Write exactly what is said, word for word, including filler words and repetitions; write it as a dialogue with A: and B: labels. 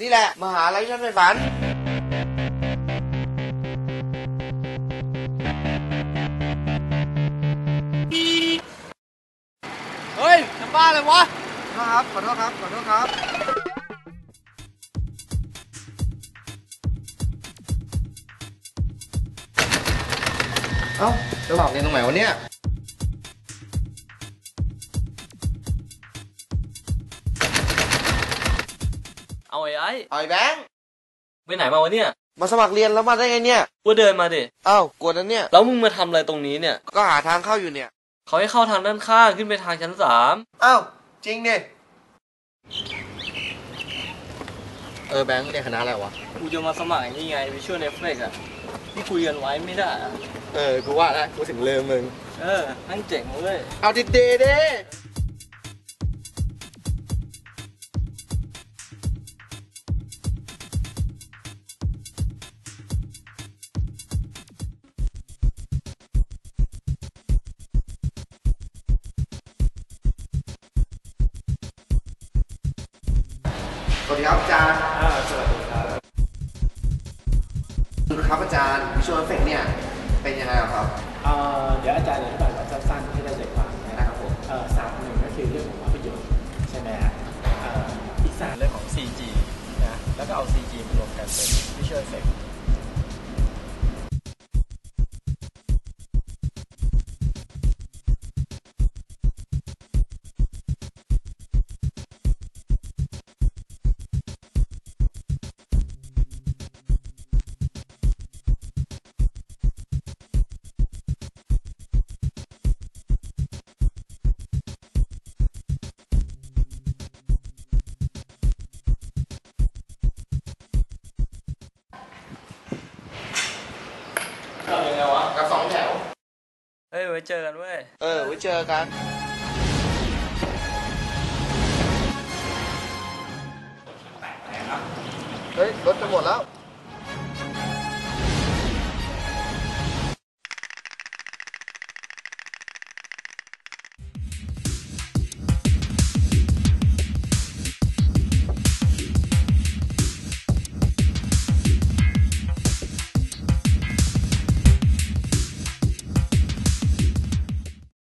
A: นี่แหละมหาลัยฉันไม่ฝันเฮ้ยจะบ้าเลยวะครับขอโทษครับขอโทษครับเอ้าจะบอกเรียนตรงไหนวะเนี่ย
B: เอาไอ้ไอ้
A: เอาไอ้แบงค์
B: ไปไหนมาวะเนี่ย
A: มาสมัครเรียนแล้วมาได้ไงเนี่ย
B: กูเดินมาดิ
A: อ้าวกลัวนั้นเนี่ย
B: แล้วมึงมาทำอะไรตรงนี้เนี่ย
A: ก็หาทางเข้าอยู่เนี่ย
B: เขาให้เข้าทางด้านข้างขึ้นไปทางชั้นสาม
A: อ้าวจริงเนี่ยเออแบงค์เรียนคณะอะไรวะ
B: กูจะมาสมัครนี่ไงวิชวลเอฟเฟกต์อะที่คุยกันไว้ไม่ได้อะ
A: เออกูว่าแล้วกูถึงลืมมึง
B: เออนั่งเจ๋งเลย
A: เอาดิเดเด้สวัสดีครับอาจารย์
C: อ่าสวัสดีครับ
A: ครับอาจารย์วิชวลเอฟเฟกต์เนี่ยเป็นยังไงครับ
C: เอ่อเดี๋ยวอาจารย์อธิบายแบบสั้นๆให้ได้ใจความนะครับผมเอ่อศาสตร์หนึ่งก็คือเรื่องของภาพยนตร์ใช่ไหมฮะเอ่ออีกศาสตร์เรื่องของ ซี จี นะแล้วก็เอา ซี จี มารวมกันเป็น Visual Effect
B: ยังไงวะ
A: กับสองแถว
B: เฮ้ยไว้เจอกันเว้ย
A: เออไว้เจอกันเฮ้ยรถจะหมดแล้ว